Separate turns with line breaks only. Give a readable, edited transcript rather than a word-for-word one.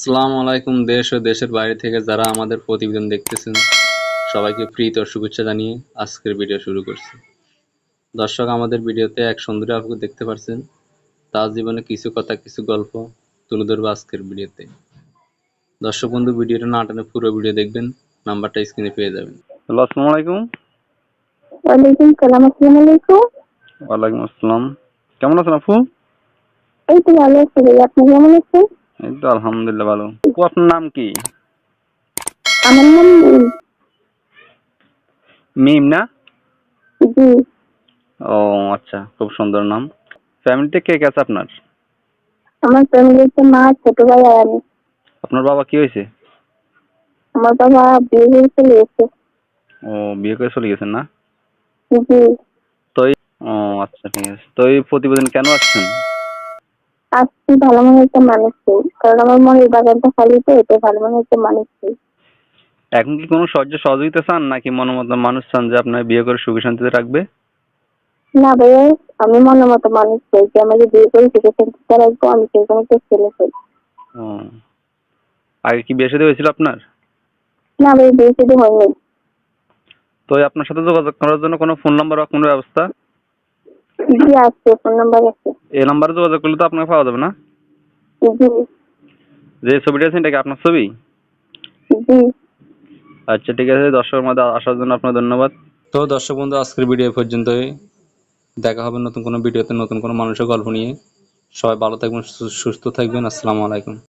আসসালামু আলাইকুম। দেশ ও দেশের বাইরে থেকে যারা আমাদের প্রতিবেদন দেখতেছেন সবাইকে প্রীতি ও শুভেচ্ছা জানিয়ে আজকের ভিডিও শুরু করছি। দর্শক, আমাদের ভিডিওতে এক সুন্দরী আপুকে দেখতে পাচ্ছেন। তার জীবনে কিছু কথা, কিছু গল্প তুলে ধরবো আজকের ভিডিওতে। দর্শক বন্ধু, ভিডিওটা না টানে পুরো ভিডিও দেখবেন, নাম্বারটা স্ক্রিনে পেয়ে যাবেন। হ্যালো, আসসালামু আলাইকুম।
ওয়ালাইকুম সালাম। আসসালামু আলাইকুম।
ওয়ালাইকুম আসসালাম। কেমন আছেন আপু?
এই তো ভালো আছি ভাই, আপনি কেমন আছেন?
এই তো আলহামদুলিল্লাহ ভালো। আপু, আপনার নাম কি?
আমার নাম
মিম না?
জি।
ও আচ্ছা, খুব সুন্দর নাম। ফ্যামিলিতে কে কে আছে আপনার?
আমার ফ্যামিলিতে মা, ছোট ভাই আর আমি।
আপনার বাবা কি হয়েছে?
আমার বাবা বিয়ে করে চলে গেছে।
ও, বিয়ে করে চলে গেছেন না?
জি।
তো ও আচ্ছা, ঠিক আছে। তো এই প্রতিবেদন কেন আসছেন?
আসছি ভালো মনে একটা মানুষ চাই, কারণ আমার মনের বাগানটা খালি, তো এটাই ভালো মনে একটা মানুষ চাই।
এখন কি কোনো সাহায্য সহযোগিতা চান, নাকি মতো মানুষ চান যে আপনার বিয়ে করে সুখে শান্তিতে রাখবে?
না ভাইয়া, আমি মনের মতো মানুষ চাই যে আমাকে বিয়ে করে সুখে শান্তিতে রাখবো, আমি সেরকম একটা ছেলে চাই।
ও, আগে কি বিয়ে শাদী হয়েছিল আপনার?
না ভাই, বিয়ে শুধু হয়নি।
তো এই আপনার সাথে যোগাযোগ করার জন্য কোনো ফোন নাম্বার বা কোনো ব্যবস্থা?
জি আছে, ফোন নাম্বার আছে।
এই নাম্বারে যোগাযোগ করলে তো আপনাকে পাওয়া যাবে না?
জি।
যে ছবিটা আছে এটা কি আপনার ছবি?
জি।
আচ্ছা, ঠিক আছে। দর্শকের মধ্যে আসার জন্য আপনার ধন্যবাদ। তো দর্শক বন্ধু, আজকের ভিডিও পর্যন্তই। দেখা হবে নতুন কোনো ভিডিওতে, নতুন কোনো মানুষের গল্প নিয়ে। সবাই ভালো থাকবেন, সুস্থ থাকবেন। আসসালামু আলাইকুম।